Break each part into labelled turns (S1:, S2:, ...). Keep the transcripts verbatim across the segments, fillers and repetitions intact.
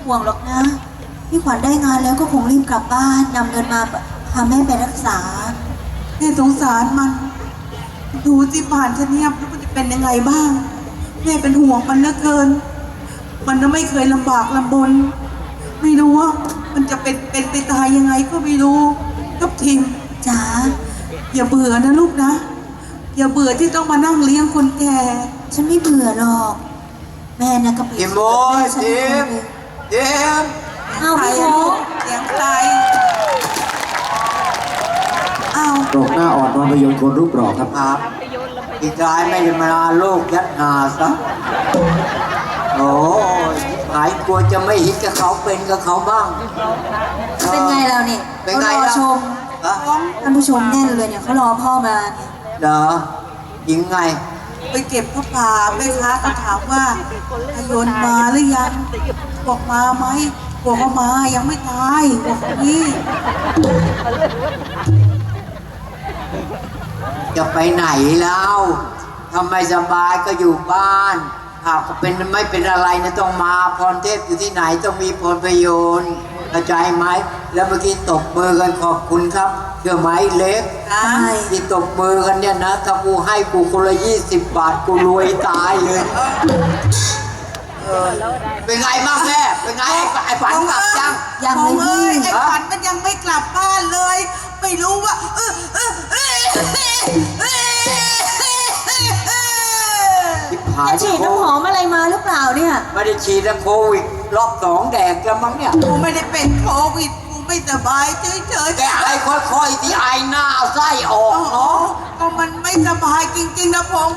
S1: ห่วงหรอกนะพี่ขวัญได้งานแล้วก็คงรีบกลับบ้านนำเงินมาพาแม่ไปรักษา
S2: แม่สงสารมันดูสิผ่านชะเนียบแล้วมันจะเป็นยังไงบ้างแม่เป็นห่วงมันเหลือเกินมันก็ไม่เคยลำบากลำบนไม่รู้ว่ามันจะเป็นเป็นไปตายยังไงก็ไม่รู้กับทิม
S1: จ๋า
S2: อย่าเบื่อนะลูกนะอย่าเบื่อที่ต้องมานั่งเลี้ยงคนแก่
S1: ฉันไม่เบื่อหรอกแม่นะก็เป็น
S3: ทิมโอ้ยทิมทิม
S1: เอาพี่โม
S2: เสียงใครอ้าว
S4: ตรงหน้าอ่อนนอนพยนต์คนรูปหล่อครับ
S3: ครับอีกรายไม่ได้มาลูกยัดหาซะโอ้ยหายกลัวจะไม่ฮิตกับเขาเป็นกับเขาบ้าง
S1: เป็นไงเราเนี่ย
S3: เป็นไง
S1: รอ
S3: ล่ะ
S1: ชมท่านผู้ชมแน่นเลยเนี่ยเขารอพ่อมาเนี่ย
S3: เหรอยิงไง
S2: ไปเก็บผ้าป่าแม่ค้าก็ถามว่าพยนต์มาหรือยังบอกมาไหมบอกว่ามายังไม่ตายบอกนี่
S3: จะไปไหนแล้วทำไมสบายก็อยู่บ้านหากเป็นไม่เป็นอะไรนะต้องมาพรเทพอยู่ที่ไหนต้องมีพรประโยชน์กระจายไหมแล้วเมื่อกี้ตบมือกันขอบคุณครับเชื่อไหมเล็กที่ตบมือกันเนี่ยนะถ้ากูให้กูคนละยี่สิบบาทกูรวยตายเลยเป็นไงบ้างแม่เป็นไงไอ้ฝันกลับยัง
S1: ยังเลย
S2: ไอ้ฝันมันยังไม่กลับบ้านเลยไม่รู้ว่า
S1: ฉีดน้ำหอมอะไรมาหรือเปล่าเนี่ย
S3: ไม่ได้ฉีดแล้วโควิดรอบสองแดกแล้วมั้งเนี่ย
S2: กูไม่ได้เป็นโควิดกูไม่สบายเฉยๆ
S3: แกไอ้ค่อยๆที่ไอหน้าไส้ออกเนาะ
S2: ก็มันไม่สบายจริงๆนะผม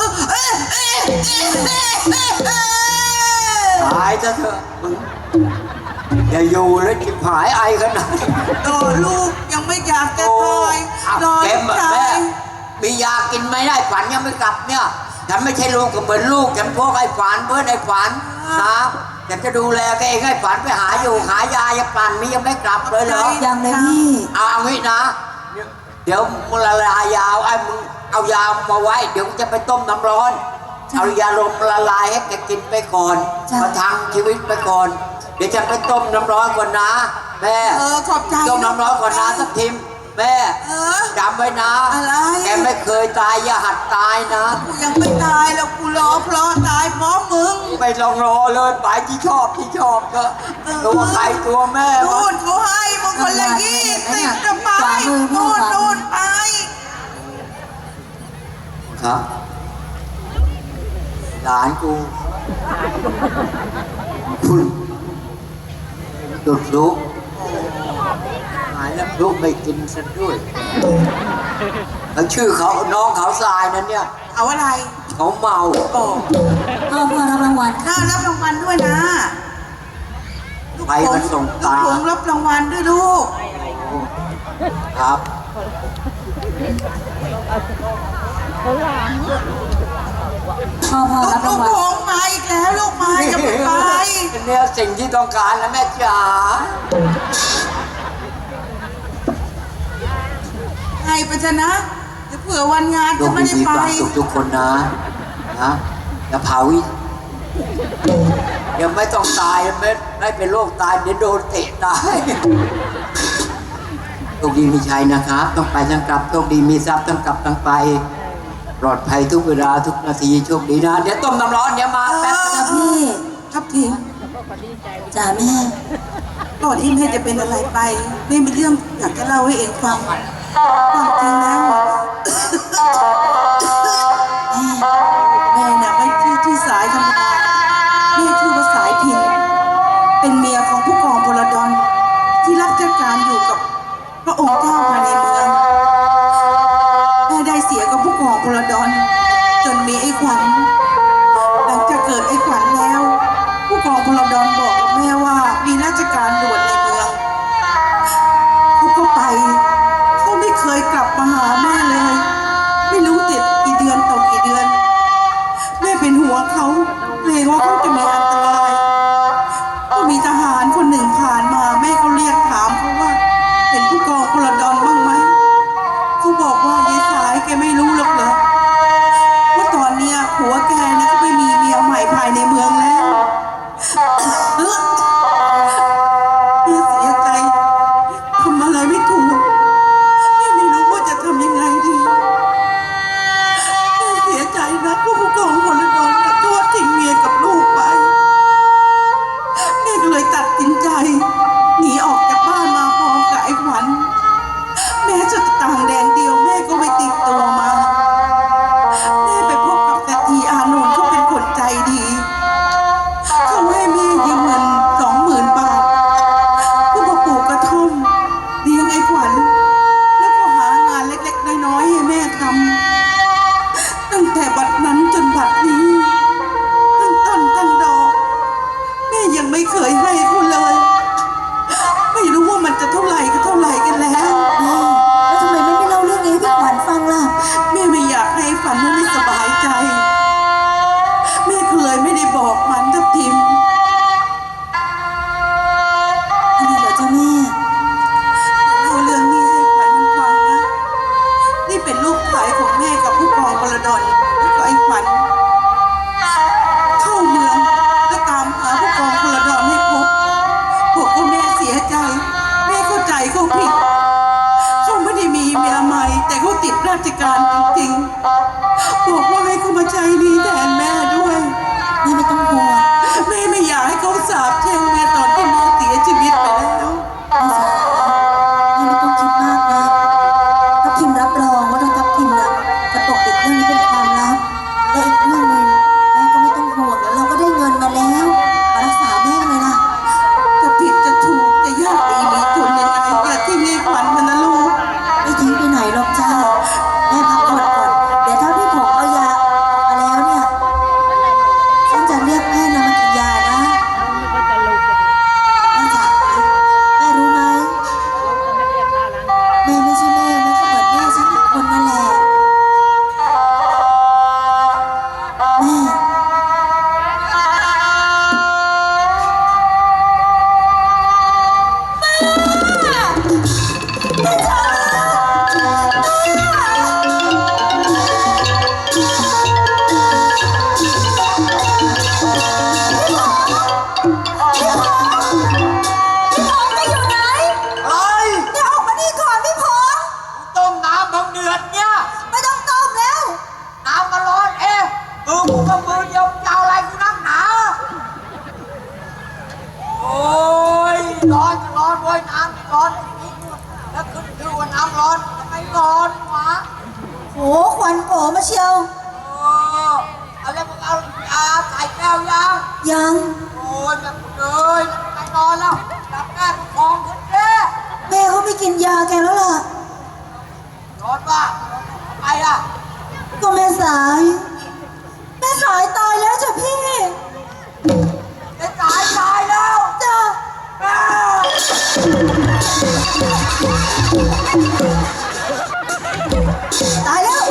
S3: ตายซะเถอะมึงอย่าอยู่แล้วจิบหายไอขนาด
S2: โตลูกยังไม่อยากจะตายรอใจ
S3: มียากินไม่ได้ฝันยังไม่กลับเนี่ยฉันไม่ใช่ลูกก็เหมือนลูกฉันพวกไอ้ฝันเพื่อนไอ้ฝันนะฉันจะดูแลแกเองไอ้ฝันไปหาอยู่หายายังปั่นมียังไม่กลับเลยเหรอ
S1: ยังเลยพี่
S3: เอางี้นะเดี๋ยวมึงละลายยาวไอ้มึงเอายามาไว้เดี๋ยวจะไปต้มน้ำร้อนเอายาลมละลายให้แกกินไปก่อนประทังชีวิตไปก่อนเดี๋ยวจะไปต้มน้ำร้อนก่อนนะแม่
S2: เออขอบใจ
S3: ต้มน้ำร้อนก่อนนะสักทีแม่จำไว้นะแกไม่เคยตายอย่าหัดตายนะ
S2: กูยังไม่ตายแล้วกูรอเพราะตายเพราะมึง
S3: ไม่ลองรอเลยไปที่ชอบที่ชอบก็ตัวใครตัวแม่
S2: นู่นเขาให้มึงคนละยี่สิบจะไปนู่นนู่นไป
S3: ครับหลานกูคุณดุดลุกหายแล้วลูกไม่กินฉันด้วยแล้วชื่อเขาน้องเขาทรายนั้นเนี่ย
S2: เอาอะไร
S3: เขาเมา
S2: โอ้
S1: พ่อพ่อรับรางวัล
S2: น่ารับรางวัลด้วยนะ
S3: ไปมันส่งตา
S2: ผมรับรางวัลด้วยลูก
S3: ครับ
S1: พ่อพ่อรับรางวัล
S2: ลูกมาอีกแล้วลูกมาจะไป
S3: เนี่ยสิ่งที่ต้องการนะแม่จ๋า
S2: ให้ไปชนะจะเผื่อวันงานจะไม่ได้ไป
S3: สุขทุกคนนะนะอย่าเผายังไม่ต้องตายไม่ไม่เป็นโรคตายเดี๋ยวโดนเตะตายโชคดีมีชัยนะครับต้องไปต้องกลับโชคดีมีทรัพย์ต้องกลับต้องไปปลอดภัยทุกเวลาทุกนาทีโชคดีนะเดี๋ยวต้มน้ำร้อนเดี๋ยวมาแป๊บ
S1: นะพี่
S2: ครับทีม
S1: จ๋าแม่
S2: ก่อนที่แม่จะเป็นอะไรไปแม่มีเรื่องอยากจะเล่าให้เองฟังความจริงแล้วแม่น่ะไม่ชื่อที่สายธรรมดาแม่ชื่อว่าสายพินเป็นเมียของผู้กองพลดลที่รับราชการอยู่กับพระองค์เจ้าภายในเมืองแม่ได้เสียกับผู้กองพลดลจนมีไอ้ขวัญหลังจากเกิดไอ้ขวัญแล้วผู้กองพลดลบอกแม่ว่ามีราชการด่วนในเมืองเขาก็ไปเขาไม่เคยกลับมาหาแม่เลยไม่รู้ติดกี่เดือนต่อกี่เดือนแม่เป็นห่วงเขาเกรงว่าเขาจะมีอันตรายก็มีทหารคนหนึ่งผ่านมาแม่เขาเรียกถามเขาว่าเห็นผู้กองพลดลบ้างไหมเขาบอกว่ายายสายแกไม่รู้หรอกเหรอว่าตอนเนี้ยผัวแกนะก็ไม่มีเมียใหม่ภายในเมืองแล้วราชการจริงๆบอกว่าให้เขามาใช้หนี้แทนแม่ด้วย
S1: แม่ไม่ต้องห่วง
S2: แม่ไม่อยากให้เขาสาปแช่งแม่ตอนที่แม่เสียชีวิตไปแล้ว
S1: แม่จ๋าแม่ไม่ต้องคิดมากนะทัพทิมรับรองว่าถ้าทัพทิมนะจะปกปิดเรื่องนี้เป็นความลับและอีกเรื่องหนึ่งแม่ก็ไม่ต้องห่วงเดี๋ยวเราก็ได้เงินมาแล้วมารักษาแม่เลยล่ะ
S2: จะผิดจะถูกจะยากดีมีจนยังไงอย่าทิ้งให้ขวัญมันนะลูก
S1: ไม่ทิ้งไปไหนหรอกจ้าแม่พักผ่อนก่อนเดี๋ยวถ้าพี่ผมเอายาออกมาแล้วเนี่ยฉันจะเรียกแม่นะมากินยานะแม่จ๋าแม่รู้ไหมแม่ไม่ใช่แม่แม่ก็เหมือนแม่ฉันอีกคนนั่นแหละแม่
S3: เอ้ย
S1: เดี๋ยวออกมานี่ก่อนพี่พงษ์
S3: ต้มน้ำเพิ่งเดือดเนี่ย
S1: ไม่ต้องต้มแล้ว
S3: น้ำมันร้อนเอ๊ะมือกูก็มือเดียวจะเอาอะไรกูนักหนาโอ้ยร้อนก็ร้อนเว้ยน้ำไม่ร้อนไอ้นี่แล้วขึ้นชื่อว่าน้ำร้อนทำไมร้อนวะ
S1: โหควันโผล่มาเชียว
S3: เออเอาแล้วมึงเอายาใส่แก้วยัง
S1: ยัง
S3: โอ้ยแบบเลยไปนอนแล้วหลับแม่ก็คลองขึ้นเด้
S1: แม่เขาไม่กินยาแกแล้วล่ะ
S3: นอนป่ะทำไมล่ะ
S1: ก็แม่สาย แม่สายตายแล้วจ้ะพี่
S3: ไอ้ตายตายแล้ว
S1: จ้ะ
S3: แม่
S1: ตายแล้ว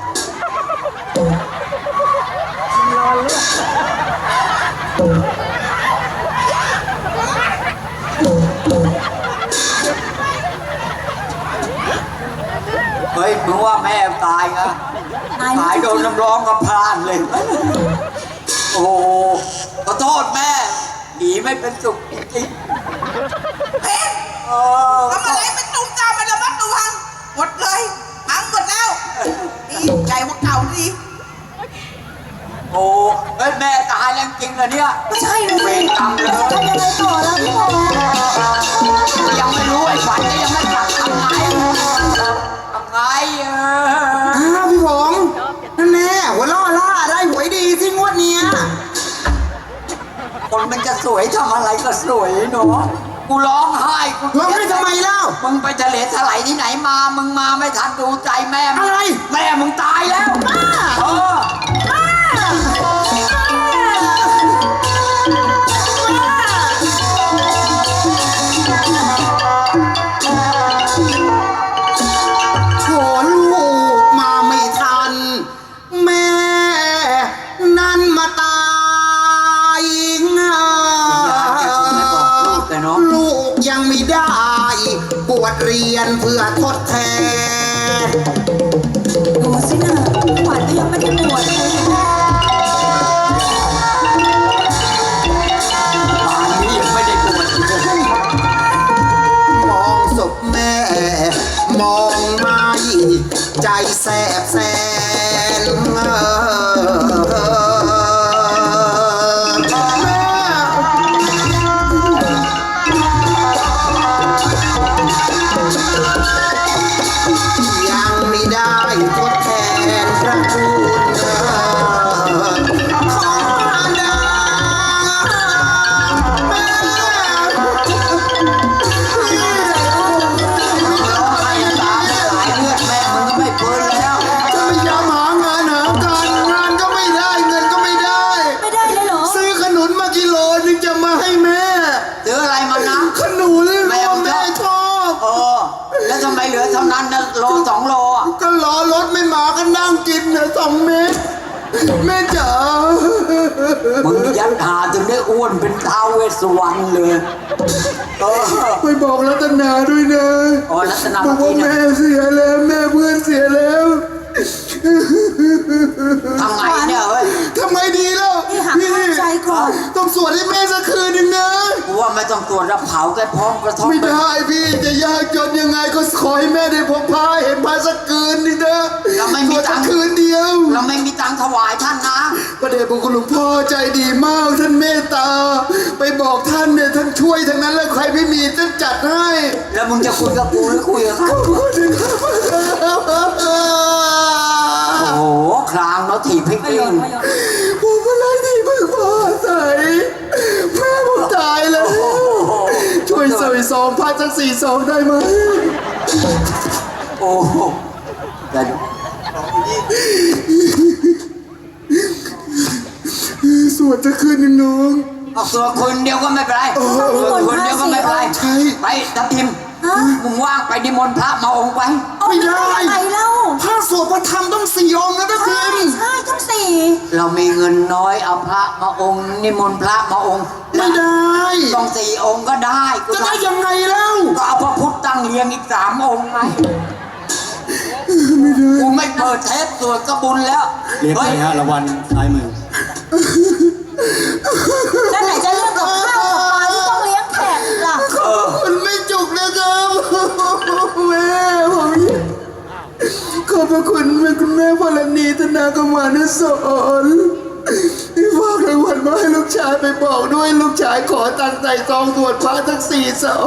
S3: เฮ้ยมึงว่าแม่ตายนะ
S1: ตายแล้ว
S3: ตายโดนน้ำร้อนกับพรานเลย โอ้โหขอโทษแม่หนีไม่เป็นสุขจริงๆ
S2: เฮ้ย
S3: เออ
S2: ทำอะไรมันตุ้มตามมันระมัดระวังหมดเลยพังหมดแล้วนี่ใหญ่กว่าเก่าดี
S3: โอ้เฮ้ยแม่ตายแล้วจริงเหรอเนี่ย
S1: ไม่ใช่เลย
S3: เวรกรรมเลย
S1: จะทำยังไงต่อแล้วพี่พงษ์
S3: ยังไม่รู้ไอ้ฝันก็ยังไม่กลับทำไงทำไงเออ
S5: อ้าวพี่ผมนั่นแน่หัวล่อล่าได้หวยดีสิงวดเนี้ย
S3: คนมันจะสวยทำอะไรก็สวยเนาะกูร้องไห้กู
S5: ร้องให้ทำไมเล่า
S3: มึงไปทะเลถลายที่ไหนมา มึงมาไม่ทันดูใจแม่มึง
S5: อะไร
S3: แม่มึงตายแล้วเออ
S5: โถลูกมาไม่ทัน แม่นั่นมาตายง่า
S3: ไม่บอกลูกแต่เนาะ
S5: ลูกยังไม่ได้บวชเรียนเพื่อทดแทน
S1: ดูสินะขวัญก็ยังไม่ได้บวชเลย
S3: ป่านนี้ยังไม่ได้บวชเลย
S5: มองศพแม่ มองไม่ใจแสบแสนเอ่อแม่ยังไม่ได้ทดแทนพระคุณของมารดาแม่
S3: ร้องไห้ตาไหลเลือดแม่มึงก็ไม่ฟื้นแล้ว
S5: จะไม่ยอมหางานหาการงานก็ไม่ได้เงินก็ไม่ได้
S1: ไม่ได้เลยเหรอ
S5: ซื้อขนุนมากิโลนึงจะมาให้แม่
S3: ซื้ออะไรมานะ
S5: ขนุนเลยว่าแม่ชอบ
S3: เออ แล้วทำไมเหลือเท่านั้นนะโลสองโลอ่ะ
S5: ก็รอรถไม่มาก็นั่งกินเนี่ยสองเม็ดแม่จ๋า
S3: มึงยัดหาจนได้อ้วนเป็นท้าวเวสสุวรรณเลยเออ
S5: ไปบอกรัตนาด้วยนะ
S3: อ๋อรัตนา
S5: บอกว่า
S3: เมื่อกี้
S5: แม่
S3: นะ
S5: เสียแล้วแม่เพื่อนเสียแล้ว
S3: ทำไงเนี่ยเฮ้ย
S5: ทำไมดีแล้ว
S1: นี่หักห้ามใจก่อน
S5: ต้องสวดให้แม่สักคืนหนึ่งนะ
S3: กูว่าไม่ต้องตรวจรับเผาแค่พร้อมกระท่อม
S5: ไม่
S3: ไป
S5: ได้พี่จะยากจนยังไงก็ขอให้แม่ได้พบพาเห็นพาสักคืนนี่นะ
S3: ไม่มีตังค์ถวายท่านนะ
S5: พระเดชพระคุณหลวงพ่อใจดีมากท่านเมตตา ไปบอกท่านเนี่ยท่านช่วยทั้งนั้นแล้วใครไม่มีท่านจัดให้
S3: แล้วมึงจะคุยกับกูหรือคุยกับเขา
S5: ขอบคุณครับ
S3: โอ้โหคลางเนาะถีบให้
S1: ประโย
S3: กิ้
S1: ช
S3: ง
S1: น์ประโยชน์
S5: ผมอะไรที่เพิ่งพอใส่แม่ผมตายแล้วช่วยใส่ซองพันสักสี่ซองได้ไหม
S3: โอ้โหแต่
S5: สวดจะคืนหนึ่งน้อง
S3: เอาตัวคนเดียวก็ไม่เป็นไรตัวคนเดียวก็ไม่เป็นไร
S5: ใช่
S3: ไปทับทิมมึงว่างไปนิมนต์พระมาองค์ไป
S5: ไม่ได้
S1: ไปเล่า
S5: ถ้าสวดพระธรรมต้องสี่องค์นะท่าน
S1: ใช่
S5: ทีม
S1: ใช่ต้องสี่
S3: เรามีเงินน้อยเอาพระมาองค์นิมนต์พระมาองค์
S5: ไม่ได้
S3: ต้องสี่องค์ก็ได้กู
S5: จะได้ยังไงแล้ว
S3: ก็เอาพระพุทธตั้งเรียงอีกสามองค์ไหม
S5: ไม่ได้
S3: กูไม่เปิดเทปสวดก็บุญแล้ว
S4: เรียก
S3: เฮ้
S4: ไป
S3: ย
S4: ฮะรางวัลซ้ายมือ
S1: แล้วไหนจะเรื่องกับข้าวกับปลาที่ต้องเลี้ยงแขกอีกล่ะ
S5: มันไม่จุกนะครับแม่ผมขอบพระคุณแม่คุณแม่พลณีธนากมานุสรณ์ที่ฝากรางวัลมาให้ลูกชายไปบอกด้วยลูกชายขอตังค์ใส่ซองตรวจพระทั้งสี่ซอง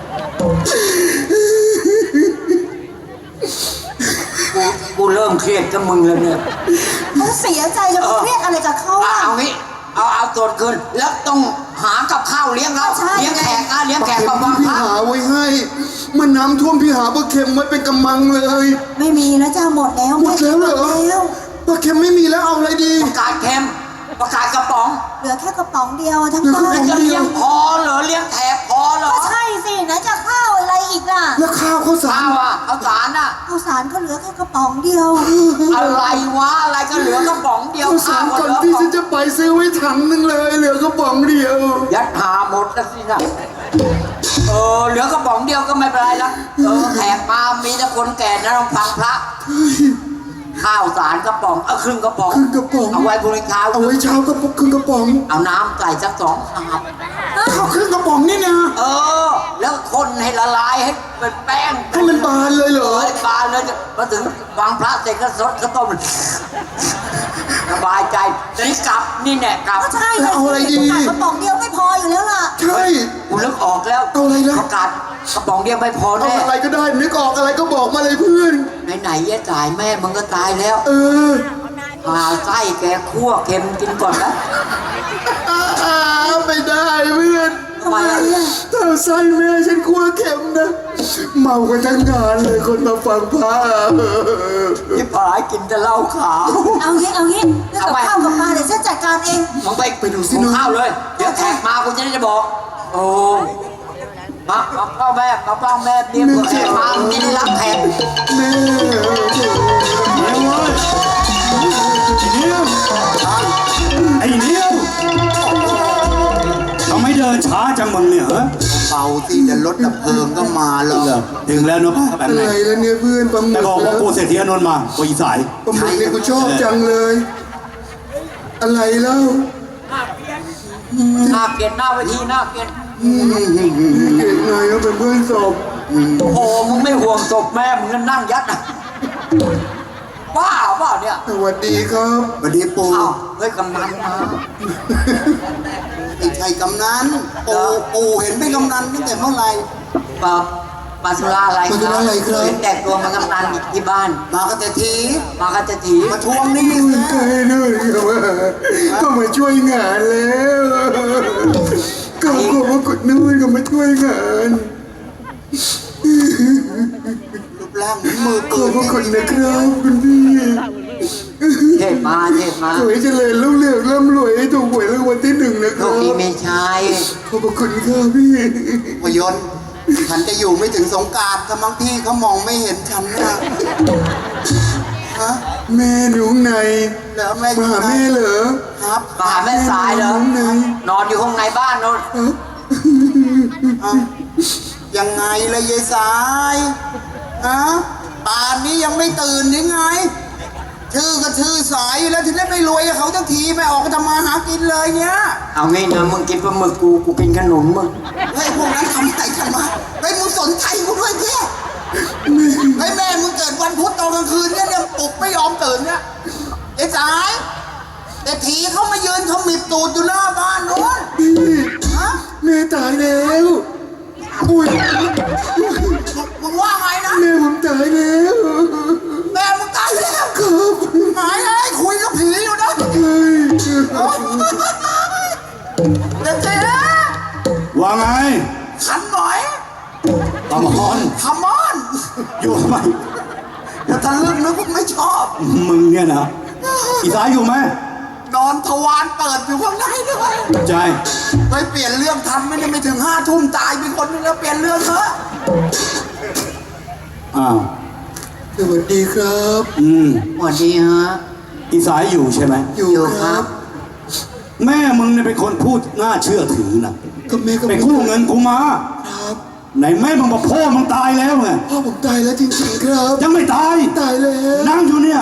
S3: กูกูเริ่มเครียดกับมึงแล้วเนี่ย
S1: เขาเสียใจจะเครียดอะไรกับเขา
S3: เอา
S1: อ่ะ
S3: เอางี้เอาเอาตรวจคืนแล้วต้องหากับข้าวเลี้ยงเรา
S1: ใช่
S3: เลี้ยงแขกนะเลี้ยงแขก
S5: เข็
S3: กั
S5: ม
S3: บบัง
S5: พี่
S3: พระ
S5: หาไว้ให้มันน้ำท่วมพี่หาปลาเค็มไว้เป็นกำมังเลย
S1: ไม่มีแล้วจ้าหมดแล้ว
S5: หมดแล้วเหรอ
S1: หมดแล้ว
S5: ปลาเค็มไม่มีแล้วเอาอะไรดี
S3: ประกาศเค็มประกาศกระป๋อง
S1: เหลือแค่กระป๋องเดียวทั้ง
S5: เหลือ
S1: บ้า
S5: แค่
S1: น
S5: กระป๋
S3: จะ
S5: อง
S3: เลี้ยงพอเหรอเลี้ยงแขกพอเหรอ
S1: ก็ใช่สิไหนจะข้าวอะไรอีกล่ะ
S5: แล้วข้าวข้าวสา
S3: ข้าร วอ่ะข้าวสารอ่ะ
S1: ข้าวสารก็เหลือแค่กระป๋องเดียว
S3: อะไรวะอะไรก็เหลือกระป๋องเดียว
S5: ข้าวสาร
S3: ข้าว
S5: ก่อน
S3: เหลื
S5: ที่
S3: อ
S5: ฉันจะไปซื้อไว้ถังหนึงเลยเหลือกระป๋องเดียว
S3: ยัดหาหมดแล้วสินะเออเหลือกระป๋องเดียวก็ไม่เป็นไรละเออแขกมามีแต่คนแก่นะต้องฟังพระข้าวสารกระป๋องเอาครึ่งกระป๋อง
S5: ครึ่งกระป๋อง
S3: เอาไว้บริการ
S5: เอาไว้เช้ากระป๋องครึ่งกระป๋อง
S3: เอาน้ำใส่สักสองชาม
S5: ข้าวครึ่งกระป๋องนี่นะ
S3: เออ แล้วคนให้ละลายให้เป็นแป้ง
S5: ให้มันบานเลยเหรอ
S3: เอ้ยบานเลยมาถึงวางพระเสร็จก็สดก็ต้มสบายใจตอนนี้กลับนี่แน่กลับ
S1: ก็ใช่
S5: แล้วเอาอะไรดี
S1: กระป๋องเดียวไม่พออยู่แล้วล่ะ
S5: ใช่
S3: กูนึกออกแล้ว
S5: เอาอะไรนะ
S3: ประกาศกระป๋องเดียวไม่พอ
S5: เอา
S3: แน่
S5: อะไรก็ได้นึกออกอะไรก็บอกมาเลยเพื่อน
S3: ไหนๆแย่จ่ายแม่มึงก็ตายแล้ว
S5: เออ
S3: หาไส้แกคั่วเค็มกินก่อนนะ
S5: อ่าไม่ได้เพื่อน
S3: ทำไมอ่ะ
S5: ถ้าไส้แม่ฉันกลัวเข็มนะเมากันทั้งงานเลยคนมาฟังพระ
S3: พี่ผายกินแต่เหล้าขาว
S1: เอางี้เอางี้เรื่องกับข้าวกับปลาเดี๋ยวฉันจัดการเอง
S3: มึงไปไปดูสิหุงข้าวเลย เดี๋ยวแขกมากูจะได้จะบอก โอ้มามาพ่อแม่มาพ่อแม่เตรียมตัวแขกมากินรับแขก
S5: แม่
S4: ไอ้เนี้ยวทำไมเดินช้าจังมึงเนี่ยฮะ
S5: เป่าสิเดี๋ยวรถดับเพลิงก็มาแล้ว
S4: ถึงแล้วเนอะป้าแบบ
S5: อะ
S4: ไหน
S5: ไรแล้วเนี่ยเพื่อนปลาหมึ
S4: แต่
S5: ก
S4: บอกว่ากูเศรษฐีอานนท์มากูอีสาย
S5: ปลาหมึกเนี่ยกูชอบจังเลย อะไรแล้ว
S3: หน้าเกลียดหน้าเวทีหน้าเกลียด
S5: เก่งไงก็เป็นเพื่อนศพ
S3: โอ้โหมึงไม่ห่วงศพแม่มึงก็นั่งยัดอะว้าเปล่าเนี่ย
S5: สวัสดีครับสวัสดีปู่
S3: อ้าวเฮ้ยกำนันมา
S5: ไม่ใช่กำนันปู่ปู่เห็นเป็นกำนันตั้งแต่เมื่อไหร่
S3: ปาปาสุราอะไร
S5: ปาสุราอะไรครับ
S3: เห็นแต่งตัวมากำนันอีกที่บ้าน
S5: มากันแต่ที
S3: มากันจะถี
S5: มาทวงหนี่ใครด้วยก็มาช่วยงานแล้วก็ก็มากดนู่นก็มาช่วยงานรูปร่างมือขอบพระคุณนะครับคุณพี่
S3: เทพมาเทพมา
S5: สวยเจริญรุ่งเรืองร่ำรวยให้ถูกหวยรางวัลที่หนึ่งนะค
S3: ลู
S5: รั
S3: ก
S5: บ
S3: นี้ไม่ใช่
S5: ขอบพระคุณครับพี่พยนต์ฉันจะอยู่ไม่ถึงสงกรานต์ถ้ามั้งพี่เขามองไม่เห็นฉันนะฮะแม่หนูไหนเหรอแม่มาหาแม่เหรอครับ
S3: มาหาแม่สายเหรอ
S5: ไหน
S3: นอนอยู่ข้างในบ้านโน่น
S5: อ่ะยังไงล่ะยายสายฮะป่านนี้ยังไม่ตื่นยังไง ชื่อก็ชื่อสายอยู่แล้วถึงได้ไม่รวยกับเขาทั้งทีไม่ออกไปทำมาหากินเลยเนี่ย
S3: เอางี้นะมึงกินปลาหมึกกูกูกินขนุนมึง
S5: เฮ้ยพวกนั้นทำอะไรกันวะเฮ้ยมึงสนใจกูด้วยเพี่เฮ้ยแม่มึงเกิดวันพุธตอนกลางคืนเนี่ยเนี่ยปลุกไม่ยอมตื่นเนี่ยไอ้
S2: สายแต่ทีเขามายืนเขามิดตูดอยู่หน้าบ้านโน้น
S5: พี่
S2: ฮะ
S5: แม่ตายแล้วอุ้ย
S2: มึงว่าไงนะ
S5: แม่ผมตายแล้ว
S2: แม่มึงตายแล้ว
S5: ครับ
S2: หายเลยคุยกับผีอยู่นะ
S5: เฮ้ย
S2: เด็กเจ๊
S4: ว่าไง
S2: ขันหน่อย
S4: ตามอน
S2: ขมอน
S4: อยู่ทำไม
S2: อย่าทะลึ่งนะพวกไม่ชอบ
S4: มึงเนี่ยนะอีสายอยู่ไหม
S2: นอนทวารเปิดอยู่ข้างในด้วย
S4: ใจ
S2: ไปเปลี่ยนเรื่องทำไม่ได้ไม่ถึงห้าทุ่มตายเป็นคนนึงแล้วเปลี่ยนเรื่องเถอะ
S4: อ้าว
S5: สวัสดีครับ
S4: อืม
S3: สวัสดีฮะ
S4: อีสายอยู่ใช่ไหม
S5: อยู่
S3: อยู่
S5: ค
S3: ครั
S5: รับ
S3: บ
S4: แม่มึงเนี่ยเป็นคนพูดน่าเชื่อถือนะ
S5: ก็แม่ก็
S4: ไปกู้เงินกูมา
S5: ครับ
S4: ไหนแม่มึงบอกพ่อมึงตายแล้วไง
S5: พ่อผมตายแล้วจริงๆครับ
S4: ยังไม่ตาย
S5: ตายแล้ว
S4: นั่งอยู่เนี่ย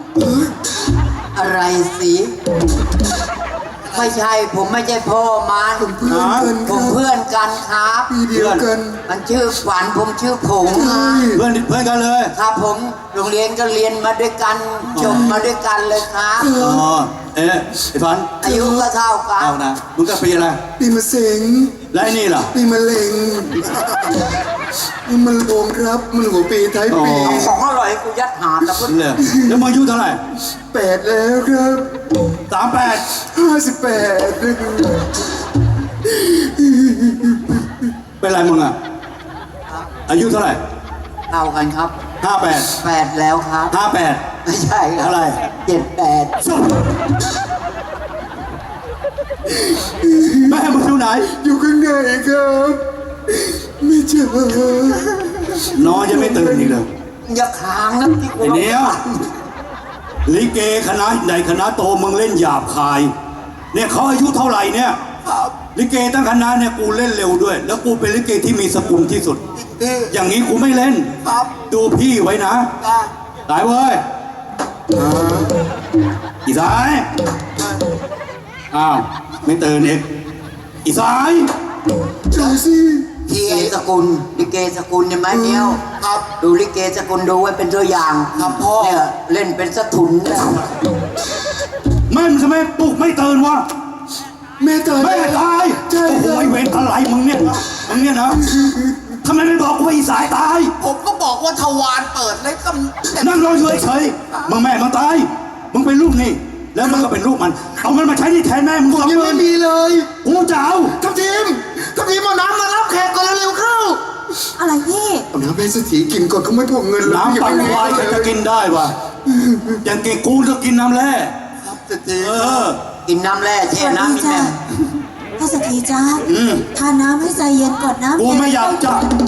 S3: อะไรสิไม่ใช่ผมไม่ใช่พ่อมัน
S5: เพื่อนกัน
S3: ผ
S5: ครั
S3: ม
S5: บ
S3: เพื่อนกันครับ
S5: ปีเดียวกัน
S3: มันชื่อฝันผมชื่อผง
S5: ใช่
S4: เพื่อนเพื่อนกันเลย
S3: ครับผมโรงเรียนก็เรียนมาด้วยกันจบมาด้วยกันเลยครับ
S4: อ๋อ เอ๊ะไอ้ฟัน
S3: อายุก็เท่ากั
S4: เอา
S3: น
S4: นะ มึงก็ปีอะไร
S5: ปีมะเสง
S4: และไอ้นี่ล่ะ
S5: ปีมะเร็งนี่มันโลงครับ มันหัวปีท้ายปี
S4: อ๋อ
S3: ของอร่อยให้กูยัดหาแล้วก็
S4: เลยแล้วมึงอายุเท่าไหร่
S5: แปดแล้วครับ
S4: สามแปด
S5: ห้าสิบแปด
S4: เป็นไรมึงอ่ะ อายุเท่าไหร่
S3: เท่ากันครับ
S4: ห้าแปด
S3: แปดแล้วครับ
S4: ห้าแปด
S3: ไม่ใช่ครับ
S4: อะไร
S3: เจ็ดแปด
S4: แม่มึงอยู่ไหน
S5: อยู่ข้างในครับไม่เจอน
S4: อนยังไม่ตื่นอีกเลย
S3: อย่าค้างนะที่กู
S4: ไอ้เนี้ยลิเกคณะใหญ่คณะโตมึงเล่นหยาบคาย เนี่ยเขาอายุเท่าไหร่เนี่ยลิเกตั้งคณะเนี่ยกูเล่นเร็วด้วย แล้วกูเป็นลิเกที่มีสกุลที่สุด อย่างนี้กูไม่เล่น
S2: ครับ
S4: ดูพี่ไว้นะ
S2: จ้า
S4: ตายเว้ยอ่าอีสายอ้าวไม่ตื่นอีกอีสาย
S5: ดูสิ
S3: ลิเกสกุลลิเกสกุลเนี่ยไหมเนี้ยว
S2: ครับ
S3: ดูลิเกสกุลดูไว้เป็นตัวอย่าง
S2: ครับพ่อ
S3: เนี่ยเล่นเป็นสะทุนเนี่ย
S4: แม่มึงทำไมปลุกไม่ตื่นวะ
S5: แม่ตาย
S4: แม่ตาย
S5: ใช่
S4: โอ้โห
S5: ครับ
S4: ไอ้เวรอะไรมึงเนี่ยนะมึงเนี่ยนะทำไมไม่บอกกูว่าอีสายตาย
S2: ผมก็บอกว่าทวารเปิดเลยก็
S4: นั่งรออยู่เฉยๆมึงแม่มึงตาย มึงเป็นลูกนี่ แล้วมันก็เป็นลูกมัน เอามันมาใช้ที่แทนแม่มึง
S5: ผม
S4: สอง
S5: ยัง
S4: หมื่
S5: ไม่
S4: น
S5: มีเลย
S4: กูจะเอา
S5: ทัพทีมทัพทีมเอาน้ำมารับแขกก่อนเร็วๆเข้า
S1: อะไรพี่
S5: เอาน้ำให้เศรษฐีกินก่อนเขาไม่พวกเงินเลย
S4: น้ำปั่นควายใครจะกินได้วะอย่างกินกูจะกินน้ำแร่
S2: ครับเศรษฐี
S4: เออ
S3: กินน้ำแร่แช่น้ำนี่
S1: จ้า
S3: แม่
S1: ถ้าสถีจ้า
S4: อืม
S1: ทานน้ำให้ใจเย็นก่อนนะ
S4: กูไม่อยากจะ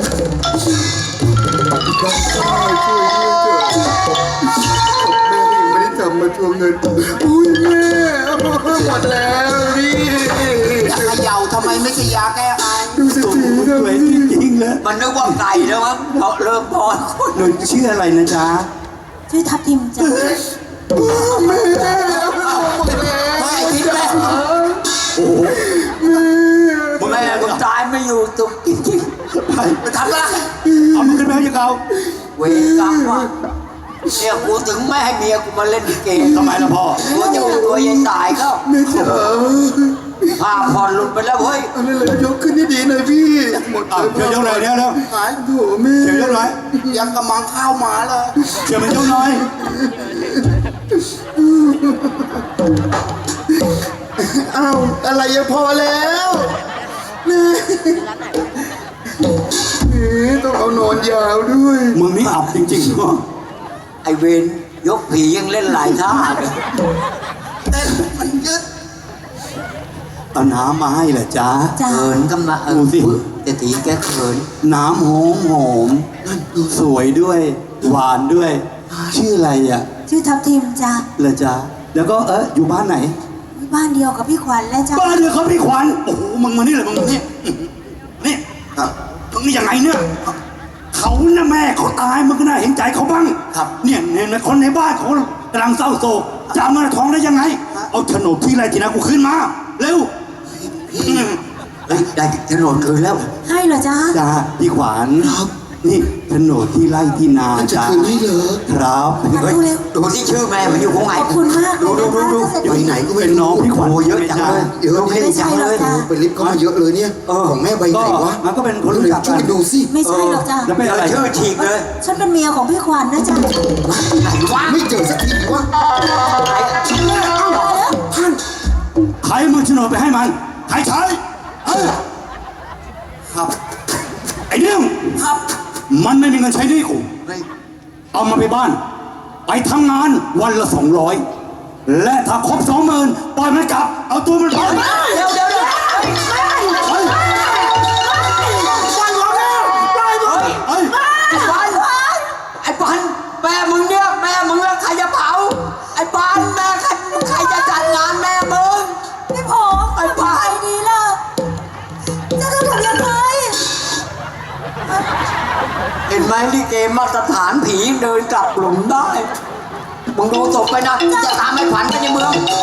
S5: แม่ยังไม่ได้ทำมาทวงเงินอุ้ยแม่หมดแล้วพี่
S2: จะเขย่าทำไมไม่ใช่ยาแก้ไอ
S5: ดูเศรษฐี
S4: ส
S5: นะ
S4: วยจริงๆเลย
S3: มันนึกว่าไก่แล้วมั้งเพราะเริ่มพอน
S4: หนูชื่ออะไรนะจ๊ะ
S1: ช่วยทับทิมจ้า
S5: แม่
S2: ไม่คิดแม่
S4: โอ้โหมึง
S3: แม่
S4: แม่
S3: มึ
S4: มึ
S3: ง
S4: ง
S3: ตายไม่อยู่ตุกจริง
S4: ไป
S2: ไปทำอะไร
S4: เอามึงขึ้นไปให้ยังเก่า
S3: ๆเวรกรรมว่ะเนี่ยกูถึงไม่ให้เมียกูมาเล่นลิเก
S4: ทำไมล่ะพ่อ
S3: กูจะเป็นตัวยัยตายก็
S5: แม่จ๋า
S3: ผ้าผ่อนหลุดไปแล้วเฮ้ย
S5: อันนั้นเลยยกขึ้นให้ดีหน่อยพี่หมด
S4: อ่ะเชื่อยกหน่อยเดี๋ยวแล้ว
S2: หาย
S5: โถแม่
S4: เชื่อยกหน่อย
S2: ยังกำลังข้าวหมาเลย
S4: เชื่อมันยกหน่อย
S5: อ้าวอะไรยังพอแล้วแม่ต้องเอานอนยาวด้วย
S4: มึงนี่อับจริงๆเนาะ
S3: ไอเวรยกผียังเล่นหลายท่าเลย
S2: เต้นมันยึด
S4: เอาน้ำมาให้เหรอจ๊ะ
S1: จ้า
S3: เขินก็มาเอ
S4: ดู
S3: อ
S4: สิ
S3: แต่ตีแกเขิน
S4: น้ำหอมหอมสวยด้วย หวานด้วย ชื่ออะไรอ่ะ
S1: ชื่อทับทิมจ้า
S4: เหรอจ๊ะ แล้วก็เอออยู่บ้านไหน
S1: บ้านเดียวกับพี่ขวัญและจ้า
S4: บ้านเดียวเขาพี่ขวัญโอ้โหมึงมานี่เลยมึงมานี่นี่
S2: ครับ
S4: มึงนี่ยังไงเนี่ยเขาน่ะแม่เขาตายมึงก็น่าเห็นใจเขาบ้าง
S2: ครับ
S4: เนี่ยเนี่ยเนี่ยคนในบ้านเขากำลังเศร้าโศกจะเอามาท้องได้ยังไง เอาโฉนดที่ไรที่นากูขึ้นมาเร็วอืม
S3: เฮ้ยได้โฉนดคืนแล้ว
S1: ให้เหรอจ้า
S4: จ้าพี่ขวัญนี่โฉนดที่ไร่ที่นา
S5: มันจะ
S4: จ้า
S5: คืนให้เหรอ
S4: ครับ
S3: เฮ้ยดูที่ชื่อแม่มันอยู่ตรงไหน
S1: ขอบคุณมากเล
S3: ดู
S1: ย
S3: ดู
S1: นะ
S3: ดู
S1: คะ
S3: ดู
S5: ไปไหนก็ไม่
S4: เป็น
S5: รู้
S4: น้องพี่ขวัญ
S3: โอ้เยอะจังเลย
S5: เยอะ
S3: ลงให้
S5: นี่
S3: จังเลย
S1: ไม่ใช่หรอกจ้ะ
S5: ไปลิฟต์เข้ามาเยอะเลยเนี่ย
S3: เออ
S5: ของแม่ใบไหนวะ
S4: มันก็เป็นคนรู้จัก
S5: ช่
S4: กั
S5: วย
S4: น
S5: ดูสิ
S1: ไม่ใช่หรอกจ้ะ
S4: แล้วเป็นอะไร
S3: ชื่อฉีกเลย
S1: ฉันเป็นเมียของพี่ขวัญนะจ๊ะ
S3: ไหนวะ
S5: ไม่เจอสักทีวะท่าน
S4: ใครมือโฉนดไปให้มันใครใช้เอ้ย
S3: ครับ
S4: ไอ้เนี่ย
S3: ครับ
S4: มันไม่มีเงินใช้หนี่กู
S3: เฮ้ย
S4: เอามาไปบ้าน ไปทำงานวันละสองร้อยและถ้าครบสองหมื่นปล่อยมันกลับ เอาตัวมันไป
S3: เดี๋ยวเดี๋ยวเดี๋ยว
S4: เฮ้ย
S3: เฮ้ย
S4: เฮ้ย
S3: ไอ้ปันไอ้ปันแม่มึงเนี่ยแม่มึงแล้วใครจะเผาไอ้ปันแม่ใครใครจะจัดงานแม่มึง
S1: พี่ผมไอ้ปายดีล่ะจะต้องทำยังไง
S3: เห็นไหมลิเกมาตรฐานผีเดินกลับหลุมได้มึงดูศพไปนะจะตามไอ้ขวัญไปในเมือง